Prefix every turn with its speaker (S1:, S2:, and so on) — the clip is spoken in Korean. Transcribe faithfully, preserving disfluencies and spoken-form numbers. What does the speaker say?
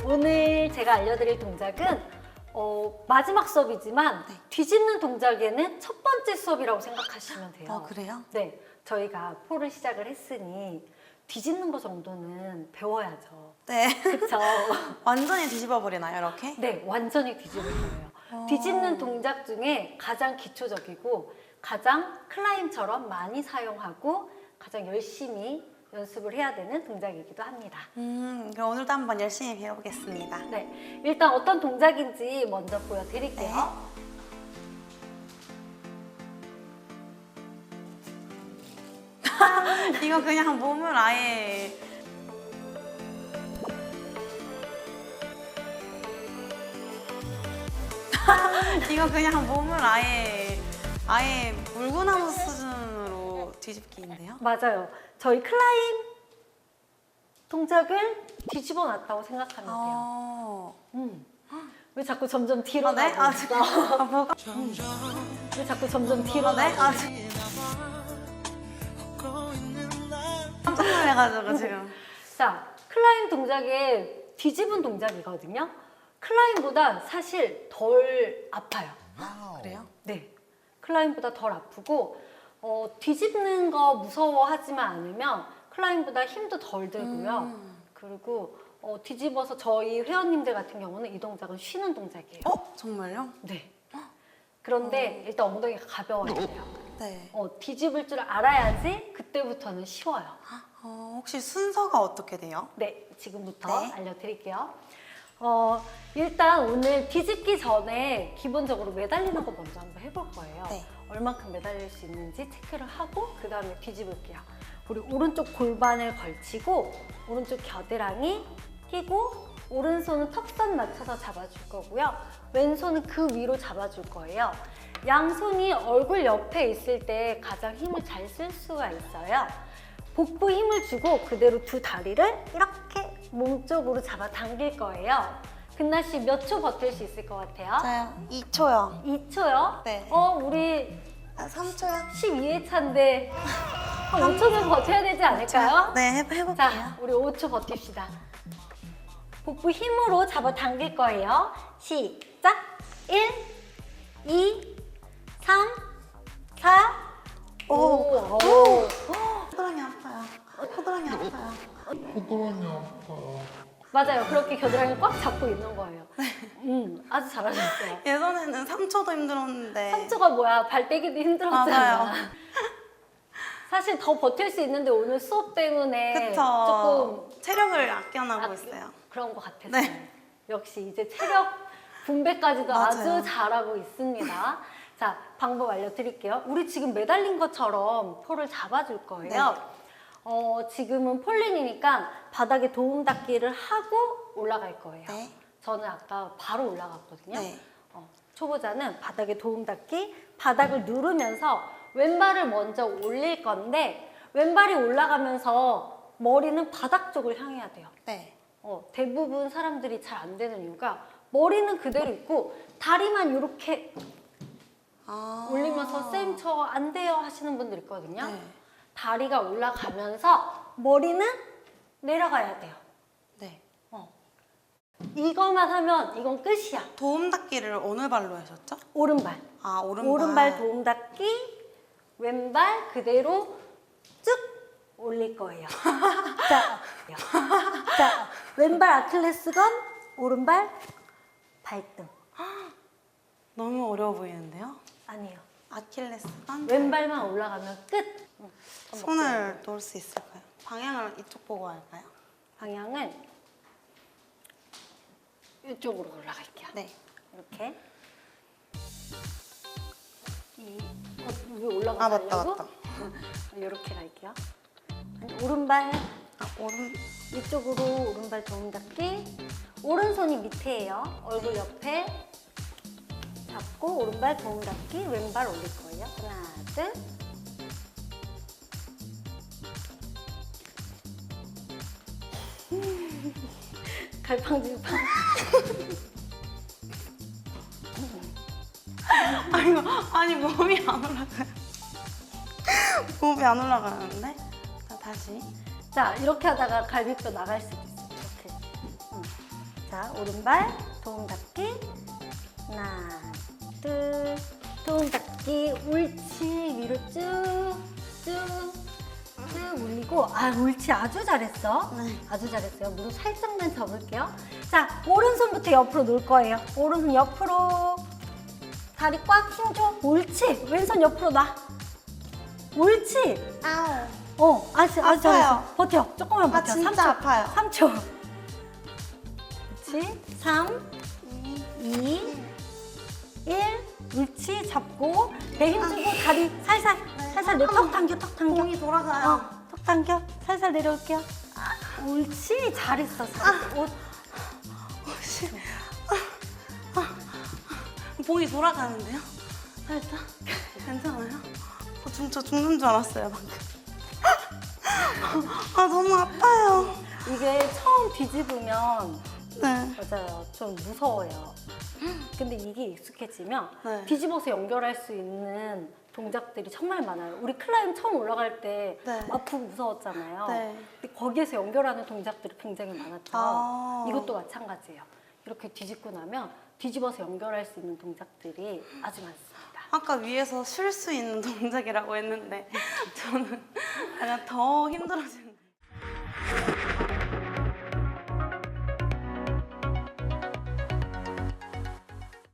S1: 오늘 제가 알려드릴 동작은 어, 마지막 수업이지만
S2: 네.
S1: 뒤집는 동작에는 첫 번째 수업이라고 생각하시면 돼요.
S2: 어, 그래요?
S1: 네, 저희가 폴을 시작을 했으니 뒤집는 거 정도는 배워야죠.
S2: 네.
S1: 그쵸?
S2: 완전히 뒤집어 버리나요, 이렇게?
S1: 네, 완전히 뒤집을 거예요.
S2: 어.
S1: 뒤집는 동작 중에 가장 기초적이고 가장 클라임처럼 많이 사용하고 가장 열심히 연습을 해야 되는 동작이기도 합니다.
S2: 음, 그럼 오늘도 한번 열심히 배워보겠습니다.
S1: 네, 일단 어떤 동작인지 먼저 보여드릴게요.
S2: 네. 이거 그냥 몸을 아예 이거 그냥 몸을 아예 아예 물구나무 수준으로 뒤집기인데요?
S1: 맞아요. 저희 클라임 동작을 뒤집어 놨다고 생각하면 돼요.
S2: 어...
S1: 음. 왜 자꾸 점점 뒤로
S2: 아, 네?
S1: 가고
S2: 아,
S1: 있어?
S2: 아, 뭐가?
S1: 왜 자꾸 점점 뒤로
S2: 아, 네?
S1: 가고
S2: 아,
S1: 있어?
S2: 깜짝 놀래가지고 지금.
S1: 자, 클라임 동작의 뒤집은 동작이거든요. 클라임보다 사실 덜 아파요.
S2: 그래요?
S1: 네, 클라임보다 덜 아프고 어, 뒤집는 거 무서워하지만 않으면 클라임보다 힘도 덜 들고요.
S2: 음.
S1: 그리고 어, 뒤집어서 저희 회원님들 같은 경우는 이 동작은 쉬는 동작이에요.
S2: 어? 정말요?
S1: 네. 그런데 일단 엉덩이가 가벼워야 돼요.
S2: 네.
S1: 어, 뒤집을 줄 알아야지 그때부터는 쉬워요.
S2: 어, 혹시 순서가 어떻게 돼요?
S1: 네, 지금부터
S2: 네.
S1: 알려드릴게요. 어, 일단 오늘 뒤집기 전에 기본적으로 매달리는 거 먼저 한번 해볼 거예요.
S2: 네.
S1: 얼만큼 매달릴 수 있는지 체크를 하고 그 다음에 뒤집을게요. 우리 오른쪽 골반을 걸치고 오른쪽 겨드랑이 끼고 오른손은 턱선 맞춰서 잡아줄 거고요. 왼손은 그 위로 잡아줄 거예요. 양손이 얼굴 옆에 있을 때 가장 힘을 잘 쓸 수가 있어요. 복부 힘을 주고 그대로 두 다리를 이렇게 몸쪽으로 잡아 당길 거예요. 금나 씨 몇 초 버틸 수 있을 것 같아요?
S2: 저요? 이 초요.
S1: 이 초요?
S2: 네.
S1: 어, 우리
S2: 아, 삼 초요?
S1: 십이 회차인데 한 오 초는 버텨야 되지 않을까요?
S2: 네, 해, 해볼게요.
S1: 자, 우리 오 초 버팁시다. 복부 힘으로 잡아 당길 거예요. 시작! 일, 이, 삼, 사, 오. 오.
S2: 호드랑이 아파요. 호드랑이 아파요.
S1: 맞아요. 그렇게 겨드랑이 꽉 잡고 있는 거예요. 음, 아주 잘하셨어요.
S2: 예전에는 삼 초도 힘들었는데.
S1: 삼 초가 뭐야? 발 떼기도 힘들었잖아.
S2: 맞아요.
S1: 사실 더 버틸 수 있는데 오늘 수업 때문에
S2: 그쵸.
S1: 조금
S2: 체력을 아껴나고
S1: 아,
S2: 있어요.
S1: 그런 것 같았어요.
S2: 네.
S1: 역시 이제 체력 분배까지도
S2: 맞아요.
S1: 아주 잘하고 있습니다. 자, 방법 알려드릴게요. 우리 지금 매달린 것처럼 폴을 잡아줄 거예요.
S2: 네.
S1: 어, 지금은 폴린이니까 바닥에 도움 닫기를 하고 올라갈 거예요.
S2: 네.
S1: 저는 아까 바로 올라갔거든요.
S2: 네.
S1: 어, 초보자는 바닥에 도움 닫기, 바닥을 누르면서 왼발을 먼저 올릴 건데 왼발이 올라가면서 머리는 바닥 쪽을 향해야 돼요.
S2: 네.
S1: 어, 대부분 사람들이 잘 안 되는 이유가 머리는 그대로 있고 다리만 이렇게
S2: 아.
S1: 올리면서 쌤 저 안 돼요 하시는 분들 있거든요.
S2: 네.
S1: 다리가 올라가면서 머리는 내려가야 돼요.
S2: 네.
S1: 어. 이거만 하면 이건 끝이야.
S2: 도움 닫기를 어느 발로 하셨죠?
S1: 오른발.
S2: 아, 오른발.
S1: 오른발 도움 닫기, 왼발 그대로 쭉 올릴 거예요. 자, 자, 왼발 아킬레스건, 오른발 발등.
S2: 너무 어려워 보이는데요?
S1: 아니에요.
S2: 아킬레스건.
S1: 왼발만 올라가면 끝. 응.
S2: 손을 놓을 수 있을까요? 방향을 이쪽 보고 할까요?
S1: 방향은 이쪽으로 올라갈게요.
S2: 네.
S1: 이렇게. 이, 어, 왜 올라가려고?
S2: 아, 맞다, 맞다.
S1: 이렇게 갈게요. 오른발
S2: 아, 오른.
S1: 이쪽으로 오른발 도움 닫기. 오른손이 밑에예요. 얼굴 옆에 잡고 오른발 도움 닫기. 왼발 올릴 거예요. 하나, 둘. 갈팡질팡.
S2: 아니, 아니 몸이 안 올라가요. 몸이 안 올라가는데? 자, 다시.
S1: 자, 이렇게 하다가 갈비뼈 나갈 수도 있어요. 이렇게. 음. 자, 자, 오른발 도움 닫기. 하나, 둘, 도움 닫기. 옳지. 위로 쭉, 쭉, 쭉 올리고. 아, 옳지. 아주 잘했어.
S2: 네.
S1: 아주 잘했어요. 무릎 살짝만 접을게요. 자, 오른손부터 옆으로 놓을 거예요. 오른손 옆으로. 다리 꽉 힘줘. 옳지. 왼손 옆으로 놔. 옳지.
S2: 아우.
S1: 어, 아주, 아주
S2: 아파요.
S1: 잘했어. 버텨. 조금만 버텨.
S2: 아, 진짜
S1: 삼 초.
S2: 아파요.
S1: 삼 초. 그렇지. 삼, 이, 일. 옳지. 잡고 배 힘주고 다리 살살,
S2: 네.
S1: 살살 내 턱 당겨, 턱 당겨.
S2: 공이 돌아가요.
S1: 어, 턱 당겨. 살살 내려올게요. 옳지. 잘했어. 잘했어. 오,
S2: 혹시 아, 아, 봉이 돌아가는데요? 살짝 괜찮아요? 어, 지금 저 죽는 줄 알았어요 방금. 아 너무 아파요.
S1: 이게 처음 뒤집으면
S2: 네.
S1: 맞아요. 좀 무서워요. 근데 이게 익숙해지면
S2: 네.
S1: 뒤집어서 연결할 수 있는 동작들이 정말 많아요. 우리 클라임 처음 올라갈 때
S2: 네.
S1: 아프고 무서웠잖아요.
S2: 네.
S1: 근데 거기에서 연결하는 동작들이 굉장히 많았죠.
S2: 아.
S1: 이것도 마찬가지예요. 이렇게 뒤집고 나면 뒤집어서 연결할 수 있는 동작들이 아주 많습니다.
S2: 아까 위에서 쉴 수 있는 동작이라고 했는데 저는 약간 더 힘들어지는.